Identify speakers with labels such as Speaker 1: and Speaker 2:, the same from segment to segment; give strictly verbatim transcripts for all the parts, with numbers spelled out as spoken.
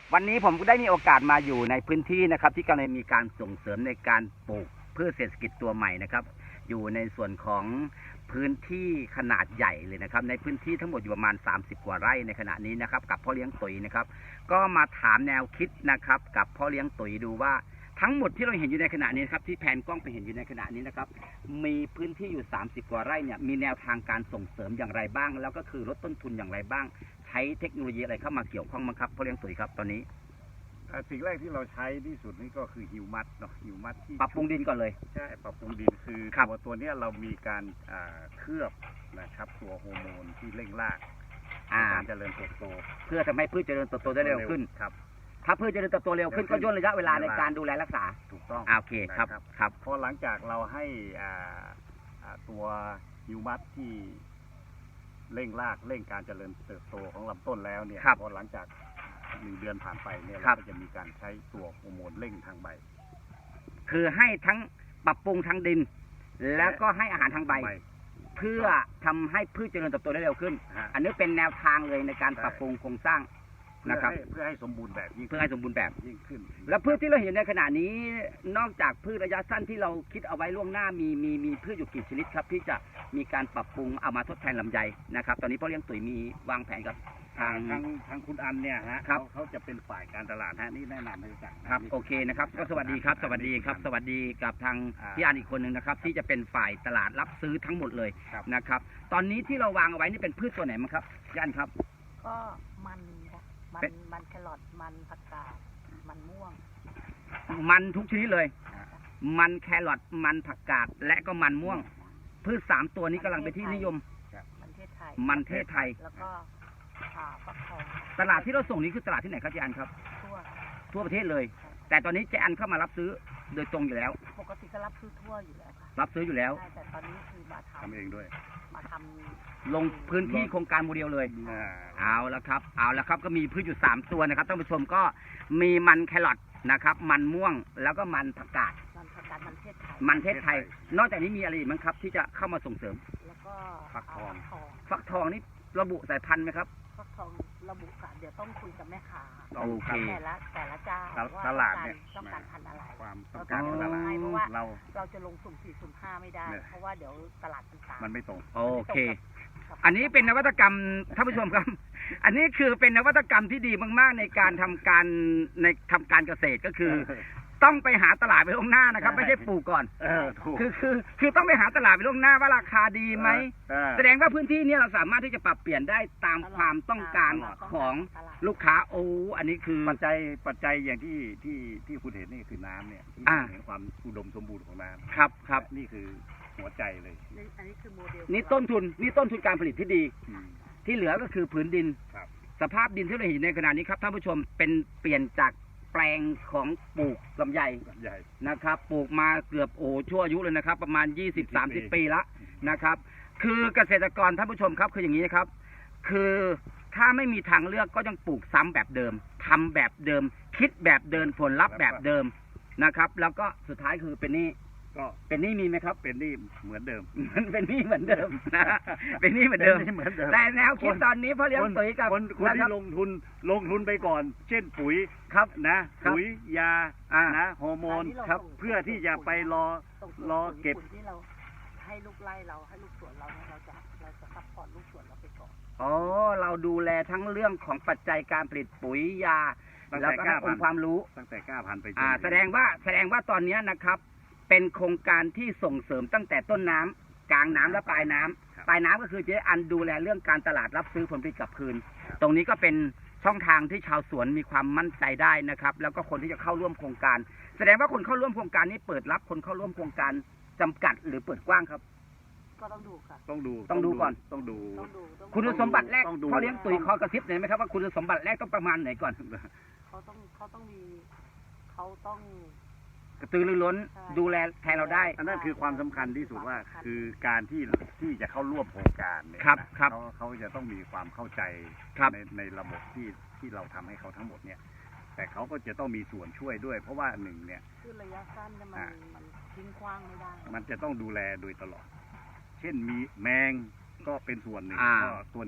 Speaker 1: วันนี้ผมก็ได้มีโอกาสมาอยู่ในพื้นที่นะครับที่กำลังมีการส่งเสริมในการปลูกพืชเศรษฐกิจตัวใหม่นะครับอยู่ในส่วนของพื้นที่ขนาดใหญ่เลยนะครับในพื้นที่ทั้งหมดอยู่ประมาณสามสิบกว่าไร่ในขณะนี้นะครับกับพ่อเลี้ยงตุ๋ยนะครับก็มาถามแนวคิดนะครับกับพ่อเลี้ยงตุ๋ยดูว่าทั้งหมดที่เราเห็นอยู่ในขณะนี้ครับที่แผนกล้องไปเห็นอยู่ในขณะนี้นะครับมีพื้นที่อยู่สามสิบกว่าไร่เนี่ยมีแนวทางการส่งเสริมอย่างไรบ้างแล้วก็คือลดต้นทุนอย่างไรบ้างใช้เทคโนโลยีอะไรเข้ามาเกี่ยวข้องบ้างครับพ่อเลี้ยงตุ๋ยครับตอนนี้
Speaker 2: สิ่งแรกที่เราใช้ที่สุดนี่ก็คือฮิวมัสเนาะฮิวมัสที่
Speaker 1: ปรับปรุงดินก่อนเลย
Speaker 2: ใช่ปรับปรุงดินคือตัวตัวนี้เรามีการเคลือบนะครับตัวฮอร์โมนที่เร่งรากการเจริญเติบโต
Speaker 1: เพื่อทำให้พืชเจริญเติบโตได้เร็วขึ้น
Speaker 2: ครับ
Speaker 1: ถ้าพืชเจริญเติบโตเร็วขึ้นก็ย่นระยะเวลาในการดูแลรักษา
Speaker 2: ถูกต้อง
Speaker 1: โอเคครับครับ
Speaker 2: พอหลังจากเราให้ตัวฮิวมัสที่เร่งรากเร่งการเจริญเติบโตของลำต้นแล้วเนี่ยพอหลังจากหนึ่งเดือนผ่านไปเนี่ยเราก็จะมีการใช้ตัวฮอร์โมนเร่งทางใบ
Speaker 1: คือให้ทั้งปรับปรุงทางดินแล้วก็ให้อาหารทางใบเพื่อทำให้พืชเจริญเติบโตได้เร็วขึ้นอันนี้เป็นแนวทางเลยในการปรับปรุงโครงสร้างนะครับ
Speaker 2: เพื่อให้สมบูรณ์แบบ
Speaker 1: เพื่อให้สมบูรณ์แบบ
Speaker 2: ยิ่งขึ้น
Speaker 1: แล้วพืชที่เราเห็นในขณะนี้นอกจากพืชระยะสั้นที่เราคิดเอาไว้ล่วงหน้ามีมีมีพืชอยู่กี่ชนิดครับที่จะมีการปรับปรุงเอามาทดแทนลำไยนะครับตอนนี้พ่อเลี้ยงตุ๋ยมีวางแผนกับ
Speaker 2: ทางทางทางคุณอันเนี่ยฮะเขาเขาจะเป็นฝ่ายการตลาดฮะนี่แนะนำให้รู้จัก
Speaker 1: ครับโอเคนะครับก็สวัสดีครับสวัสดีครับสวัสดีกับทางพี่อันอีกคนหนึ่งนะครับที่จะเป็นฝ่ายตลาดรับซื้อทั้งหมดเลยนะครับตอนนี้ที่เราวางเอาไว้นี่เป็นพืชตัวไหนมั้งครับพี่อันครับ
Speaker 3: ก็มันมันมันแครอทมันผักกาดมันม่วง
Speaker 1: มันทุกชนิดเลยมันแครอทมันผักกาดและก็มันม่วงพืชสามตัวนี้กำลังเป็นที่นิยม
Speaker 3: มันเทศไทย
Speaker 1: มันเทศไทย
Speaker 3: แล้วก็ฟักทอง
Speaker 1: ตลาดที่เราส่งนี้คือตลาดที่ไหนครับเจอันครับ
Speaker 3: ทั่ว
Speaker 1: ทั่วประเทศเลยแต่ตอนนี้เจอันเข้ามารับซื้อโดยตรงอยู่แล้ว
Speaker 3: ปกติก็รับซื้อทั่วอยู่แล้วค่ะ
Speaker 1: รับซื้ออยู่แล้ว
Speaker 3: แต่ตอนนี้คือมาท
Speaker 2: ำเองด้วย
Speaker 3: มาท
Speaker 1: ำลงพื้นที่โครงการโมเดลเลยเอาละครับเอาละครับก็มีพืชอยู่สามตัวนะครับท่านผู้ชมก็มีมันแครอทนะครับมันม่วงแล้วก็มันผักกาด
Speaker 3: มันผักกาดมันเทศไทย
Speaker 1: มันเทศไทยนอกจากนี้มีอะไรอีกมั้งครับที่จะเข้ามาส่งเสริม
Speaker 3: แล้วก็
Speaker 2: ฟักทอง
Speaker 1: ฟักทองนี่ระบุสายพันธุ์ไหมครับ
Speaker 3: ฟักทองระบุค่ะเดี๋ยวต้องคุยกับแม่ค้า
Speaker 1: โอเค
Speaker 3: แต่ละแต่ละเจ้าว่า
Speaker 2: ตลาดเนี่ย
Speaker 3: ต้องการพันธุ์อะไร
Speaker 2: ความต้องการ
Speaker 3: ตลาดเพราะว่า
Speaker 2: เรา
Speaker 3: เราจะลงสุ่มสี่สุ่มห้าไม่ได้เพราะว่าเดี๋ยวตลาดมันตาม
Speaker 2: มันไม่ตรง
Speaker 1: โอเคอันนี้เป็นนวัตกรรมท่านผู้ชมครับอันนี้คือเป็นนวัตกรรมที่ดีมากๆในการทำการในทำการเกษตรก็คือต้องไปหาตลาดไปล่วงหน้านะครับไม่ใช่ปลูกก่อนคือคือคือต้องไปหาตลาดไปล่วงหน้าว่าราคาดีไหมแสดงว่าพื้นที่นี้เราสามารถที่จะปรับเปลี่ยนได้ตามความต้องการของลูกค้าโอ้อันนี้คือ
Speaker 2: ปัจจัยปัจจัยอย่างที่ที่ที่คุณเห็นนี่คือน้ำเนี่ยที่เห็นความอุดมสมบูรณ์ของน้ำ
Speaker 1: ครับครับ
Speaker 2: นี่คือหัวใจเลย
Speaker 3: อันนี้คือโมเดล
Speaker 1: นี่ต้นทุนนี่ต้นทุนการผลิตที่ดีที่เหลือก็คือผืนดินสภาพดินที่เราเห็นในขณะนี้ครับท่านผู้ชมเป็นเปลี่ยนจากแปลงของปลูกลำไยนะครับปลูกมาเกือบโอ้ชั่วอายุเลยนะครับประมาณ ยี่สิบ สามสิบ ปีละนะครับคือเกษตรกรท่านผู้ชมครับคืออย่างนี้นะครับคือถ้าไม่มีทางเลือกก็ยังปลูกซ้ำแบบเดิมทำแบบเดิมคิดแบบเดิมผลลัพธ์แบบเดิมนะครับแล้วก็สุดท้ายคือเป็นนี่
Speaker 2: ก็
Speaker 1: เป็นนี่มีไหมครับ
Speaker 2: เป็นนี่เหมือนเดิม
Speaker 1: มันเป็นนี่เหมือนเดิมนะเป็นนี่เหมือนเดิมแต่แนวคิดตอนนี้พ่อเลี้ยงตุ๋ยกับ
Speaker 2: คนที่ลงทุนลงทุนไปก่อนเช่นปุ๋ย
Speaker 1: ครับ
Speaker 2: นะปุ๋ยยานะฮอร์โมนครับเพื่อที่จะไปรอรอเก็บ
Speaker 3: ที่เราให้ลูกไร่เราให้ลูกสวนเราเนี่ยเราจะเราจะซัพพอร์ตลูกสวนเราไปก่อน
Speaker 1: อ๋อเราดูแลทั้งเรื่องของปัจจัยการผลิตปุ๋ยยาแล้วก็องค์ความรู้
Speaker 2: ตั้งแต่ก้าพันไป
Speaker 1: อ่าแสดงว่าแสดงว่าตอนนี้นะครับเป็นโครงการที่ส่งเสริมตั้งแต่ต้นน้ำกลางน้ำและปลายน้ำปลายน้ำก็คือเจ๊อันดูแลเรื่องการตลาดรับซื้อผลผลิตกลับคืนตรงนี้ก็เป็นช่องทางที่ชาวสวนมีความมั่นใจได้นะครับแล้วก็คนที่จะเข้าร่วมโครงการแสดงว่าคนเข้าร่วมโครงการนี้เปิดรับคนเข้าร่วมโครงการจำกัดหรือเปิดกว้างครับ
Speaker 3: ก็ต้องดูค่ะ
Speaker 2: ต้องดู
Speaker 1: ต้องดูก่อน
Speaker 2: ต้องดู
Speaker 1: คุณสมบัติแรกเขาเลี้ยงตุ๋ยคอกระซิบหน่อยไหมครับว่าคุณสมบัติแรกต้องประมาณไหนก่อน
Speaker 3: เขาต้องเขาต้องมีเขาต้อง
Speaker 1: กระตือรือร้นดูแลแทนเราได้
Speaker 2: อันนั้นคือความสำคัญที่สุดว่าคือการที่ที่จะเข้าร่วมโครงการเนี่ยเขาเขาจะต้องมีความเข้าใจในในระบบที่ที่เราทำให้เขาทั้งหมดเนี่ยแต่เขาก็จะต้องมีส่วนช่วยด้วยเพราะว่าหนึ่งเนี่ย
Speaker 3: คือระยะสั้นมันมันทิ้งขว้างไม่ได้
Speaker 2: มันจะต้องดูแลโดยตลอดเช่นมีแมงก็เป็นส่วนหนึ่งก็ตัวนี้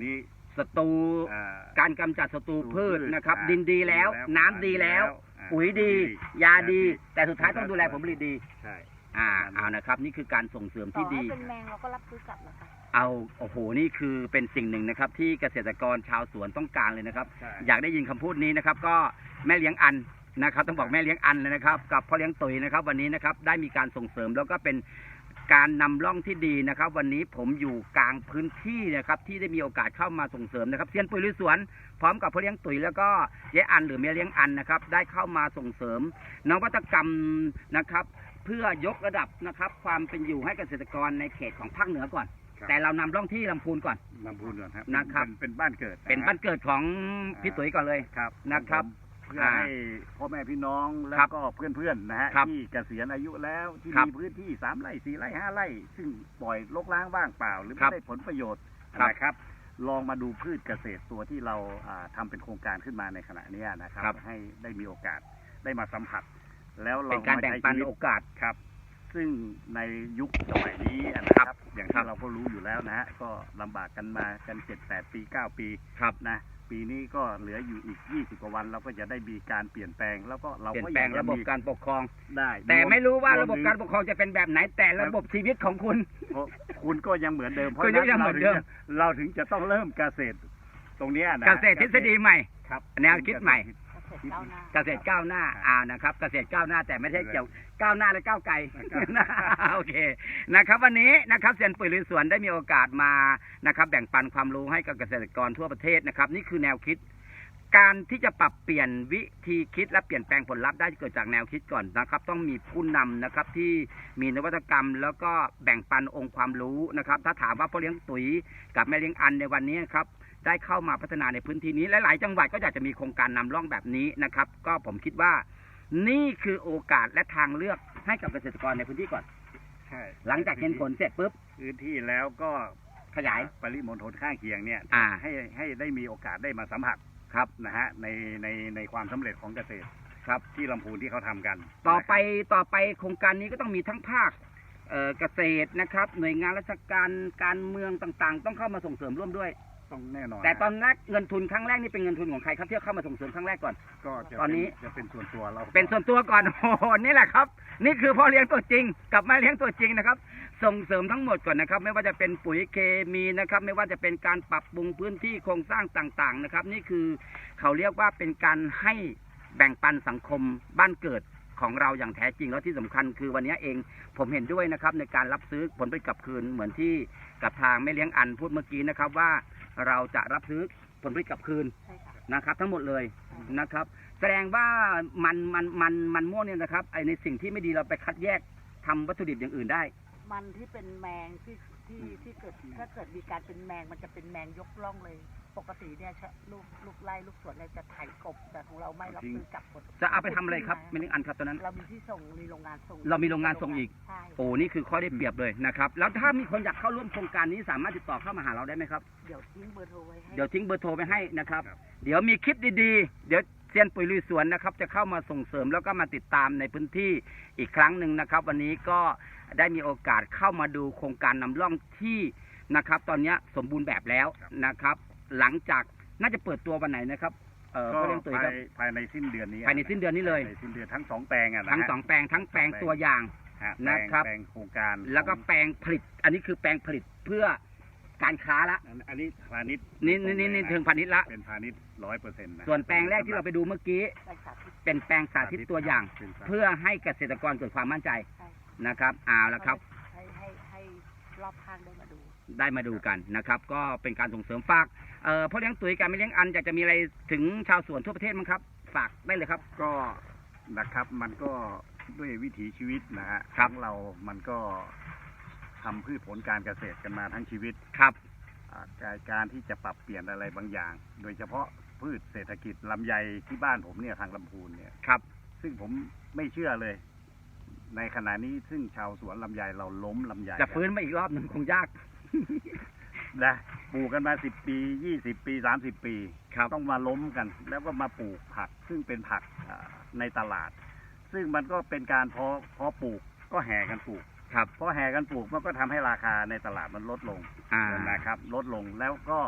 Speaker 1: ศัตรู
Speaker 2: อ่า
Speaker 1: การกำจัดศัตรูพืชนะครับ
Speaker 2: อ่า
Speaker 1: ดินดีแล้ว
Speaker 2: ดีแล้ว
Speaker 1: น้ำดีแล้ว
Speaker 2: อ่า
Speaker 1: ปุ๋ยดี
Speaker 2: ดี
Speaker 1: ยาดี
Speaker 2: ยาดี
Speaker 1: แต่สุดท้ายต้องดูแลผลผลิตดี
Speaker 2: ใช่
Speaker 1: อ่าเอานะครับ นี่คือการส่งเสริม
Speaker 3: ต่
Speaker 1: ที่
Speaker 3: อให้
Speaker 1: ดี
Speaker 3: เป็นแมงเราก็รับซื้อกลับนะคะ
Speaker 1: เอาโอ้โหนี่คือเป็นสิ่งหนึ่งนะครับ ที่เกษตรกรชาวสวนต้องการเลยนะครับ
Speaker 2: ใช่
Speaker 1: อยากได้ยินคำพูดนี้นะครับ ก็แม่เลี้ยงอันนะครับ ต้องบอกแม่เลี้ยงอันเลยนะครับ กับพ่อเลี้ยงตุ๋ยนะครับ วันนี้นะครับได้มีการส่งเสริมแล้วก็เป็นการนำร่องที่ดีนะครับ วันนี้ผมอยู่กลางพื้นที่นะครับ ที่ได้มีโอกาสเข้ามาส่งเสริมนะครับเซียนปุ๋ยลุยสวนพร้อมกับพ่อเลี้ยงตุ๋ยแล้วก็เย้อันหรือแม่เลี้ยงอันนะครับ ได้เข้ามาส่งเสริมนวัตกรรมนะครับ เพื่อยกระดับนะครับ ความเป็นอยู่ให้เกษตรกรในเขตของภาคเหนือก่อน
Speaker 2: ครับ
Speaker 1: แต่เรานำร่องที่ลำพูนก่อน
Speaker 2: ลำพูนก่อนครับ
Speaker 1: นะครับ
Speaker 2: เป็นเป็นบ้านเกิด
Speaker 1: เป็นบ้านเกิดของพี่ตุ๋ยก่อนเลย
Speaker 2: ครับ
Speaker 1: นะครับ
Speaker 2: เพื่อให้พ่อแม่พี่น้องแล้
Speaker 1: ครั
Speaker 2: ว
Speaker 1: บ
Speaker 2: ก็เพื่อนๆนะฮะ
Speaker 1: ครับ
Speaker 2: ที่เกษียณอายุแล้วที่
Speaker 1: ครับ
Speaker 2: มีพื้นที่สามไร่สี่ไร่ห้าไร่ ซึ่งปล่อยรกร้างว่างเปล่า หรือ
Speaker 1: ครั
Speaker 2: ไม่
Speaker 1: บ
Speaker 2: ได้ผลประโยชน์
Speaker 1: ครับ
Speaker 2: นะครับ ลองมาดูพืชเกษตรตัวที่เราอ่าทำเป็นโครงการขึ้นมาในขณะเนี้ยนะครับ
Speaker 1: ครับ
Speaker 2: ให้ได้มีโอกาสได้มาสัมผัส แล้วเรา
Speaker 1: เป็นการแบ่งปัน
Speaker 2: มใช้ชีวิต
Speaker 1: โอกาส
Speaker 2: ครับ ซึ่งในยุคสมัยนี้นะครับ อย่าง
Speaker 1: ครั
Speaker 2: ที่
Speaker 1: บ
Speaker 2: เราก็รู้อยู่แล้วนะฮะ ก็ลำบากกันมากันเจ็ดแปดปีเก้าปี
Speaker 1: ครับ
Speaker 2: นะ ปีนี้ก็เหลืออยู่อีกยี่สิบกว่าวันเราก็จะได้มีการเปลี่ยนแปลง แล้วก็เรา
Speaker 1: เปลี่ย
Speaker 2: ก็
Speaker 1: นแปลง
Speaker 2: อยากจ
Speaker 1: ระบบ
Speaker 2: มี
Speaker 1: การปกครอง
Speaker 2: ได้
Speaker 1: แต่ไม่รู้ว่าร
Speaker 2: ว
Speaker 1: ระบบการปกครองจะเป็นแบบไหน แต่ระบบชีวิตของคุณ
Speaker 2: เพราะคุณก็ยังเหมือนเดิม เพราะ
Speaker 1: คุณก็ยังเหมือนเดิม
Speaker 2: เราถึงจะต้องเริ่มเกษตรตรงเนี้ยนะ
Speaker 1: เกษตรทฤษฎีใหม่
Speaker 2: ครับ
Speaker 1: แนวคิดใหม่
Speaker 3: เกษตรก้าวหน้า
Speaker 1: เกษตรก้าวหน้าอ่านะครับ เกษตรก้าวหน้าแต่ไม่ใช่เกี่ยวก้าวหน้าและก้าวไกล
Speaker 2: ครับ
Speaker 1: โอเคนะครับ วันนี้นะครับเซียนปุ๋ยลุยสวนได้มีโอกาสมานะครับ แบ่งปันความรู้ให้กับเกษตรกรทั่วประเทศนะครับ นี่คือแนวคิด การที่จะปรับเปลี่ยนวิธีคิดและเปลี่ยนแปลงผลลัพธ์ได้เกิดจากแนวคิดก่อนนะครับ ต้องมีผู้นำนะครับที่มีนวัตกรรม แล้วก็แบ่งปันองค์ความรู้นะครับ ถ้าถามว่าพ่อเลี้ยงตุ๋ยกับแม่เลี้ยงอันในวันนี้ครับได้เข้ามาพัฒนาในพื้นที่นี้หลายๆจังหวัดก็อยากจะมีโครงการนำร่องแบบนี้นะครับ ก็ผมคิดว่านี่คือโอกาสและทางเลือกให้กับเกษตรกรในพื้นที่ก่อน
Speaker 2: ใช่
Speaker 1: หลังจากเห็นผลเสร็จปุ๊บ
Speaker 2: พื้นที่แล้วก็
Speaker 1: ขยาย
Speaker 2: ปริมณฑลข้างเคียงเนี่ย
Speaker 1: อ่า
Speaker 2: ให้ให้ได้มีโอกาสได้มาสัมผัส
Speaker 1: ครับ
Speaker 2: นะฮะในในในความสำเร็จของเกษตร
Speaker 1: ครับ
Speaker 2: ที่ลำพูนที่เขาทำกัน
Speaker 1: ต่อไปต่อไปโครงการนี้ก็ต้องมีทั้งภาคเอ่อเกษตรนะครับ หน่วยงานราชการการเมืองต่างๆ ต้องเข้ามาส่งเสริมร่วมด้วย
Speaker 2: ต้องแน่นอน
Speaker 1: แต่ตอนแรกเงินทุนครั้งแรกนี่เป็นเงินทุนของใครครับที่เข้ามาส่งเสริมครั้งแรกก่อน
Speaker 2: ก็จะ
Speaker 1: ตอนนี้
Speaker 2: เป็จะเป็นส่วนตัวเรา
Speaker 1: เป็นส่วนตัวก่อน โอ้โหนี่แหละครับ นี่คือพ่อเลี้ยงตัวจริง กับแม่เลี้ยงตัวจริงนะครับ ส่งเสริมทั้งหมดก่อนนะครับ ไม่ว่าจะเป็นปุ๋ยเคมีนะครับ ไม่ว่าจะเป็นการปรับปรุงพื้นที่โครงสร้างต่างๆนะครับ นี่คือเขาเรียกว่าเป็นการให้แบ่งปันสังคมบ้านเกิดของเราอย่างแท้จริงแล้วที่สำคัญคือวันนี้เองผมเห็นด้วยนะครับในการรับซื้อผลผลิตกลับคืนเหมือนที่กับทางแม่เลี้ยงอันพูดเมื่อกี้นะครับว่าเราจะรับซื้อผลผลิตกลับคืน
Speaker 3: ใช่ค่ะ
Speaker 1: นะครับ ทั้งหมดเลยนะครับ แสดงว่ามันมันมันมันม่วงเนี่ยนะครับไอในสิ่งที่ไม่ดีเราไปคัดแยกทำวัตถุดิบอย่างอื่นได้
Speaker 3: มันที่เป็นแมงที่ที่ที่เกิดถ้าเกิดมีการเป็นแมงมันจะเป็นแมงยกล่องเลย ปกติเนี่ยชะลูกลูกไล่ลูกสวนเนี่ยจะไถกบแต่ของเราไม่รับซื้อกลับหมด
Speaker 1: จะเอาไปทำอะไรครับแม่เลี้ยงอันครับตอนนั้น
Speaker 3: เรามีที่ส่งมีโรงงานส่ง
Speaker 1: เรามีโรงงานส่งอีก
Speaker 3: ใช่
Speaker 1: โอ้นี่คือข้อได้เปรียบเลยนะครับ แล้วถ้ามีคนอยากเข้าร่วมโครงการนี้สามารถติดต่อเข้ามาหาเราได้ไหมครับ
Speaker 3: เดี๋ยวทิ้งเบอร์โทรไว้ให้
Speaker 1: เดี๋ยวทิ้งเบอร์โทรไปให้นะครับ
Speaker 2: ครับ
Speaker 1: เดี๋ยวมีคลิปดีๆ เดี๋ยวเซียนปุ๋ยลุยสวนนะครับ จะเข้ามาส่งเสริมแล้วก็มาติดตามในพื้นที่อีกครั้งหนึ่งนะครับ วันนี้ก็ได้มีโอกาสเข้ามาดูโครงการนำร่องที่นะครับ ตอนนี้สมบูรณ์แบบแล้วนะครับ หลังจากน่าจะเปิดตัววันไหนนะครับเอ่อ
Speaker 2: ก็
Speaker 1: พ่อเลี้ยงตุ๋ย
Speaker 2: ภา
Speaker 1: ครั
Speaker 2: ย
Speaker 1: บ
Speaker 2: ภายในสิ้นเดือนนี้
Speaker 1: ภายในสิ้นเดือนนี้เลย
Speaker 2: ภายในสิ้นเดือนทั้งสองแปลงอะนะ
Speaker 1: ทั้ง
Speaker 2: ฮะ
Speaker 1: สองแปลงทั้งแปลงตัวอย่าง
Speaker 2: ฮะแปลง
Speaker 1: นะครับ
Speaker 2: แปลงโครงการ
Speaker 1: แล้วก็แปลงผลิต อันนี้คือแปลงผลิตเพื่อการค้าละ
Speaker 2: อันอันนี้พาณิชย์
Speaker 1: นี่นี่นี่นี่เชิงพาณิชย์ละ
Speaker 2: เป็นพาณิชย์ร้อยเปอร์เซ็นต์นะ
Speaker 1: ส่วนแปลงแรกที่เราไปดูเมื่อกี้
Speaker 3: ไปสาธิต
Speaker 1: เป็นแปลงสาธิตตัวอย่าง
Speaker 2: เป็นสาธิต
Speaker 1: เพื่อให้เกษตรกรเกิดความมั่นใจ
Speaker 3: ใช่
Speaker 1: นะครับเอาละครับ
Speaker 3: ให้ให้ให้รอบข้างได้มาดู
Speaker 1: ได้มาดูกันนะครับ ก็เป็นการส่งเสริมฝากเอ่อพ่อเลี้ยงตุ๋ยการไม่เลี้ยงอันอยากจะมีอะไรถึงชาวสวนทั่วประเทศมั้งครับ ฝากได้เลยครับ
Speaker 2: ก็นะครับมันก็ด้วยวิถีชีวิตนะฮะ
Speaker 1: ครับ
Speaker 2: ของเรามันก็ทำพืชผลการเกษตรกันมาทั้งชีวิต
Speaker 1: ครับ
Speaker 2: อ่าการการที่จะปรับเปลี่ยนอะไรบางอย่าง โดยเฉพาะพืชเศรษฐกิจลำไยที่บ้านผมเนี่ยทางลำพูนเนี่ย
Speaker 1: ครับ
Speaker 2: ซึ่งผมไม่เชื่อเลย ในขณะนี้ซึ่งชาวสวนลำไยเราล้มลำไย
Speaker 1: จะฟื้นมาอีกรอบหนึ่งคงยาก
Speaker 2: นะปลูกกันมาสิบปียี่สิบปีสามสิบปี
Speaker 1: ครับ
Speaker 2: ต้องมาล้มกัน แล้วก็มาปลูกผัก ซึ่งเป็นผักอ่าในตลาด ซึ่งมันก็เป็นการเพาะเพาะปลูกก็แห่กันปลูก
Speaker 1: ครับ
Speaker 2: เพราะแห่กันปลูกมันก็ทำให้ราคาในตลาดมันลดลง
Speaker 1: อ่า
Speaker 2: นะครับ ลดลงแล้วก็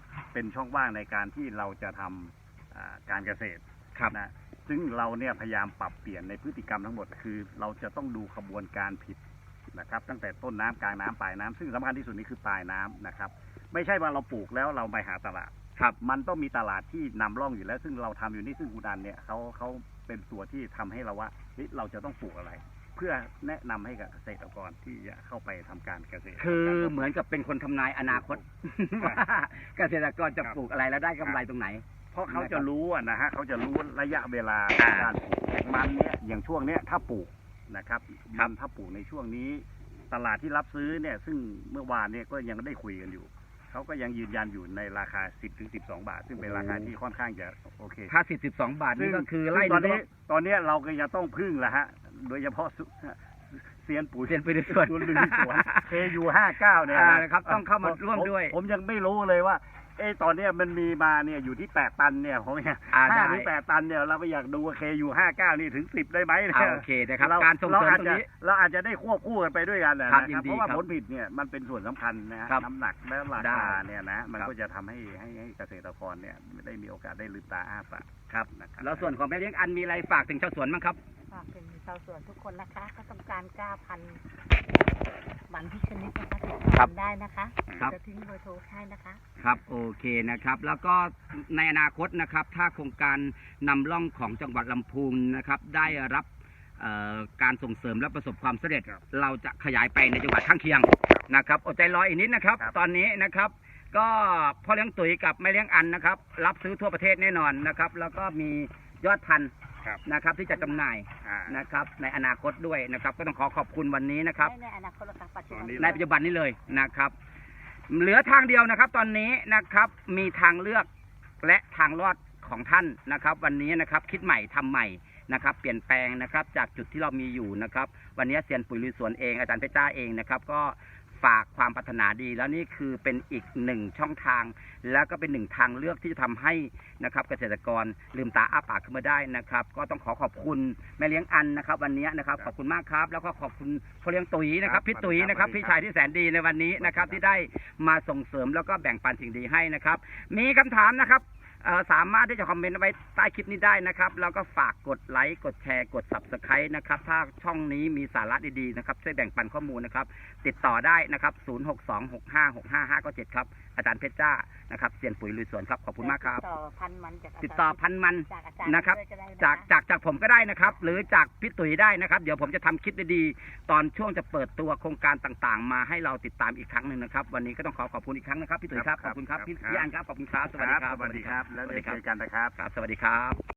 Speaker 2: เป็นช่องว่างในการที่เราจะทำอ่าการเกษตร
Speaker 1: ครับ
Speaker 2: นะซึ่งเราเนี่ยพยายามปรับเปลี่ยนในพฤติกรรมทั้งหมดคือเราจะต้องดูขบวนการผิดนะครับตั้งแต่ต้นน้ำกลางน้ำปลายน้ำซึ่งสำคัญที่สุดนี่คือปลายน้ำนะครับไม่ใช่ว่าเราปลูกแล้วเราไปหาตลาด
Speaker 1: ครับ
Speaker 2: มันต้องมีตลาดที่นำร่องอยู่แล้ว ซึ่งเราทำอยู่นี่ซึ่งคุณอันเนี่ยเขาเขาเป็นตัวที่ทำให้เราว่าเฮ้ยเราจะต้องปลูกอะไร เพื่อแนะนำให้กับเกษตรกรที่จะเข้าไปทำการเกษตร
Speaker 1: คือเหมือนกับเป็นคนทำนายอนาคต ว่าเกษตรกรจะปลูกอะไรแล้วได้กำไรตรงไหน
Speaker 2: เพราะเขาจะรู้อะนะฮะเขาจะรู้ระยะเวลา
Speaker 1: อ่า
Speaker 2: การปลูกมันเนี่ยอย่างช่วงเนี้ยถ้าปลูกนะครับ
Speaker 1: ครับ
Speaker 2: มันถ้าปลูกในช่วงนี้ ตลาดที่รับซื้อเนี่ยซึ่งเมื่อวานเนี่ยก็ยังได้คุยกันอยู่เขาก็ยังยืนยันอยู่ในราคา สิบถึงสิบสอง บาท ซึ่งเป็นราคาที่ค่อนข้างจะโอเค
Speaker 1: ถ้าสิบสิบสองบาทนี่ก็คือไล่
Speaker 2: ซึ่งตอน
Speaker 1: ดู
Speaker 2: นี้ตอนนี้เราก็ยังต้องพึ่งแหละฮะโดยเฉพาะสุเซียนปุ๋ย
Speaker 1: เซียนปุ๋ยในสวน
Speaker 2: ลุยสวน เค ยู ห้าเก้า เนี่ย
Speaker 1: อ่า
Speaker 2: นะ
Speaker 1: ครับต้องเข้ามาร่วมด้วย
Speaker 2: ผมผมยังไม่รู้เลยว่า เอ้ตอนเนี้ยมันมีมาเนี่ยอยู่ที่แปดตันเนี่ยผมเนี่ย
Speaker 1: อ่า
Speaker 2: ห้า
Speaker 1: ได้
Speaker 2: ถึงแปดตันเนี่ยเราไปอยากดูว่า เค ยู ห้าเก้า นี่ถึงสิบได้ไหมนี่ย
Speaker 1: อ่าโอเคนะครับ
Speaker 2: เ
Speaker 1: การส่งเสริมตรงนี้
Speaker 2: เราอาจจะได้ควบคู่กันไปด้วยกันนะครับ
Speaker 1: ยินดี
Speaker 2: เพราะว่า
Speaker 1: ครับ
Speaker 2: ผลผลิตเนี่ยมันเป็นส่วนสำคัญนะฮะ
Speaker 1: ครับ
Speaker 2: น้ำหนักและรา
Speaker 1: ได้
Speaker 2: คาเนี่ยนะมัน
Speaker 1: ครับ
Speaker 2: ก็จะทำให้ให้ให้เกษตรกรเนี่ยได้มีโอกาสได้ลืมตาอ้าปาก
Speaker 1: ครับ
Speaker 2: นะครับ
Speaker 1: แล้วส่วนของแม่เลี้ยงอันมีอะไรฝากถึงชาวสวนบ้างครับ
Speaker 3: ฝากเป็นชาวสวนทุกคนนะคะก็ต้องการกล้าพันธุ์มันพิชนิดนะคะติด
Speaker 1: ครั
Speaker 3: ต่
Speaker 1: บ
Speaker 3: อได้นะคะ
Speaker 1: ครับ
Speaker 3: จะทิ้งเบอร์โทรให้นะคะ
Speaker 1: ครับโอเคนะครับ แล้วก็ในอนาคตนะครับ ถ้าโครงการนำร่องของจังหวัดลำพูนนะครับ ได้รับเอ่อการส่งเสริมและประสบความสำเร็จ เราจะขยายไปในจังหวัดข้างเคียงนะครับอดใจรออีกนิดนะครับ ตอนนี้นะครับ ก็พ่อเลี้ยงตุ๋ยกับแม่เลี้ยงอันนะครับ รับซื้อทั่วประเทศแน่นอนนะครับ แล้วก็มียอดพันธุ์
Speaker 2: ครับ
Speaker 1: นะครับ ที่จะจำหน่าย
Speaker 2: อ่า
Speaker 1: นะครับ ในอนาคตด้วยนะครับ ก็ต้องขอขอบคุณวันนี้นะครับ
Speaker 3: ในอนาคตนะคะปัจจุบัน
Speaker 2: ตอนนี้
Speaker 1: ในปัจจุบันนี้เลยนะครับ เหลือทางเดียวนะครับ ตอนนี้นะครับมีทางเลือกและทางรอดของท่านนะครับ วันนี้นะครับคิดใหม่ทำใหม่นะครับ เปลี่ยนแปลงนะครับ จากจุดที่เรามีอยู่นะครับ วันนี้เซียนปุ๋ยลุยสวนเองอาจารย์เพชรจ้าเองนะครับ ก็ฝากความปรารถนาดี แล้วนี่คือเป็นอีกหนึ่งช่องทาง แล้วก็เป็นหนึ่งทางเลือกที่จะทำให้นะครับ เกษตรกรลืมตาอ้าปากขึ้นมาได้นะครับ ก็ต้องขอขอบคุณแม่เลี้ยงอันนะครับ วันนี้นะครับขอบคุณมากครับ แล้วก็ขอบคุณพ่อเลี้ยงตุ๋ยนะครับพี่ตุ๋ยนะครับพี่ชายที่แสนดีในวันนี้นะครับ ที่ได้มาส่งเสริมแล้วก็แบ่งปันสิ่งดีให้นะครับ มีคำถามนะครับเอ่อสามารถที่จะคอมเมนต์ไว้ใต้คลิปนี้ได้นะครับแล้วก็ฝากกดไลค์กดแชร์กด ซับสไครบ์ นะครับถ้าช่องนี้มีสาระดีๆนะครับช่วยแบ่งปันข้อมูลนะครับติดต่อได้นะครับศูนย์ หก สอง หก ห้า หก ห้า ห้า เก้า เจ็ดครับอาจารย์เพชรจ้านะครับเซียนปุ๋ยลุยสวนครับขอบคุณมากครับ
Speaker 3: ติดต่อพันธุ์มันจากาจารย์
Speaker 1: ติดต่อพันมัน
Speaker 3: จากอาจารย์
Speaker 1: นะครับ
Speaker 3: ด้วยก็ได้นะะ
Speaker 1: จากจากจากผมก็ได้นะครับ หรือจากพี่ตุ๋ยได้นะครับ เดี๋ยวผมจะทำคลิปดีๆตอนช่วงจะเปิดตัวโครงการต่างๆ มาให้เราติดตามอีกครั้งหนึ่งนะครับ วันนี้ก็ต้องขอขอบคุณอีกครั้งนะครับพี่ตุ๋ยครับขอบคุณครับพี่พี่อันครับขอบคุณครับสวัสดีครับ
Speaker 2: สวัสดีครับ แล้ว
Speaker 1: สวัส
Speaker 2: ได้
Speaker 1: ดีครั
Speaker 2: เจ
Speaker 1: บ
Speaker 2: อกันนะครับ
Speaker 1: ครับสวัสดีครับ